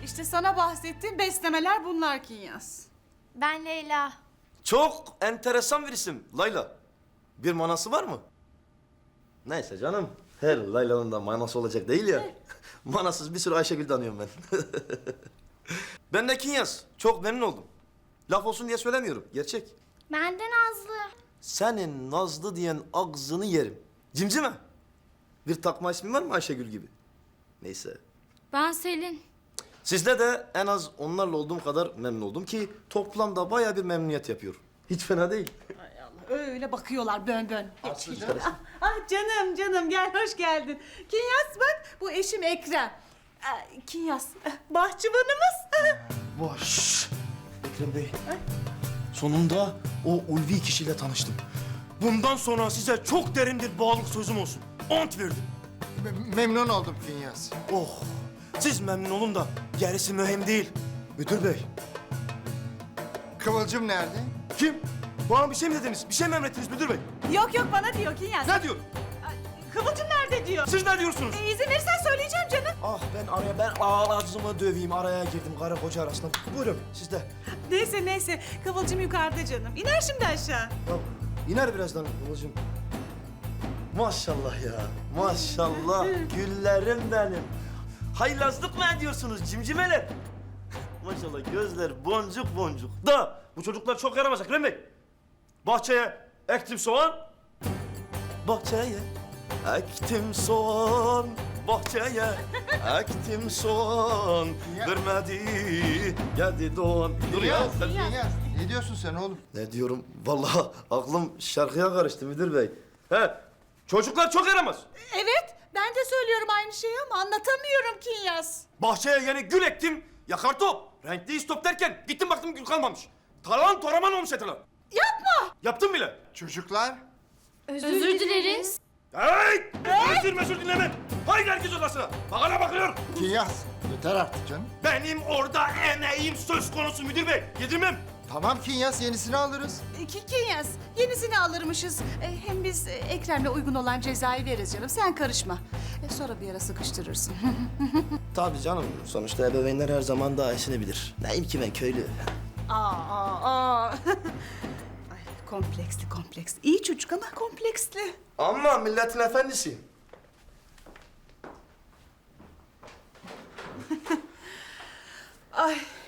İşte sana bahsettiğim beslemeler bunlar Kinyas. Ben Leyla. Çok enteresan bir isim Layla. Bir manası var mı? Neyse canım. Her Layla'nın da manası olacak değil ya. Manasız bir sürü Ayşegül tanıyorum ben. Ben de Kinyas. Çok memnun oldum. Laf olsun diye söylemiyorum. Gerçek. Ben de Nazlı. Senin Nazlı diyen ağzını yerim. Cimcime. Bir takma ismin var mı Ayşegül gibi? Neyse. Ben Selin. Sizde de en az onlarla olduğum kadar memnun oldum ki toplamda bayağı bir memnuniyet yapıyor. Hiç fena değil. Ay Allah, öyle bakıyorlar bön bön. Açsın çıkarasın. Ah canım gel hoş geldin. Kinyas bak bu eşim Ekrem. Kinyas bahçıvanımız. Boş. Ekrem Bey. Sonunda o ulvi kişiyle tanıştım. Bundan sonra size çok derin bir bağlılık sözüm olsun. Ant verdim. Memnun oldum Finyas. Oh. Siz memnun olun da gerisi mühim değil. Müdür bey. Kıvılcım nerede? Kim? Bana bir şey mi dediniz? Bir şey mi emrettiniz müdür bey? Yok bana diyor Kinyas. Ne diyor? Kıvılcım nerede diyor. Siz ne diyorsunuz? İzin verirsen söyleyeceğim canım. Ah ben ağzımı döveyim. Araya girdim karı koca arasında. Buyurun siz de. Neyse Kıvılcım yukarıda canım. İner şimdi aşağı. Ya, iner birazdan Kıvılcım. Maşallah ya. Maşallah. Güllerim benim. Haylazlık mı ediyorsunuz cimcimeler? Maşallah gözler boncuk boncuk. Da bu çocuklar çok yaramaz Ekrem Bey. Bahçeye ektim soğan. Bahçeye ektim soğan. Bahçeye ektim soğan. Vermedi geldi doğan. Dur ya. sen- Finyas. Ne diyorsun sen oğlum? Ne diyorum? Vallahi aklım şarkıya karıştı müdür bey. He, çocuklar çok yaramaz. Evet ben de söylüyorum aynı şeyi ama anlatamıyorum Kinyas. Bahçeye yeni gül ektim, yakar top. Renkli istop derken gittim baktım gül kalmamış. Talan toraman olmuş eteler. Yapma. Yaptım bile. Çocuklar. Özür dileriz. Hey! Özür dinlemem. Haydi herkes odasına. Bakana bakıyor. Finyas. Yeter artık canım. Benim orada emeğim söz konusu müdür bey. Yedirmem. Tamam Kinyas, yenisini alırız. Kinyas yenisini alırmışız. Hem biz Ekrem'le uygun olan cezayı veririz canım. Sen karışma. Sonra bir ara sıkıştırırsın. Tabii canım. Sonuçta ebeveynler her zaman daha iyisini bilir. Neyim ki ben köylü. Aa. Ay, kompleksli. İyi çocuk ama kompleksli. Ama milletin efendisi. Ay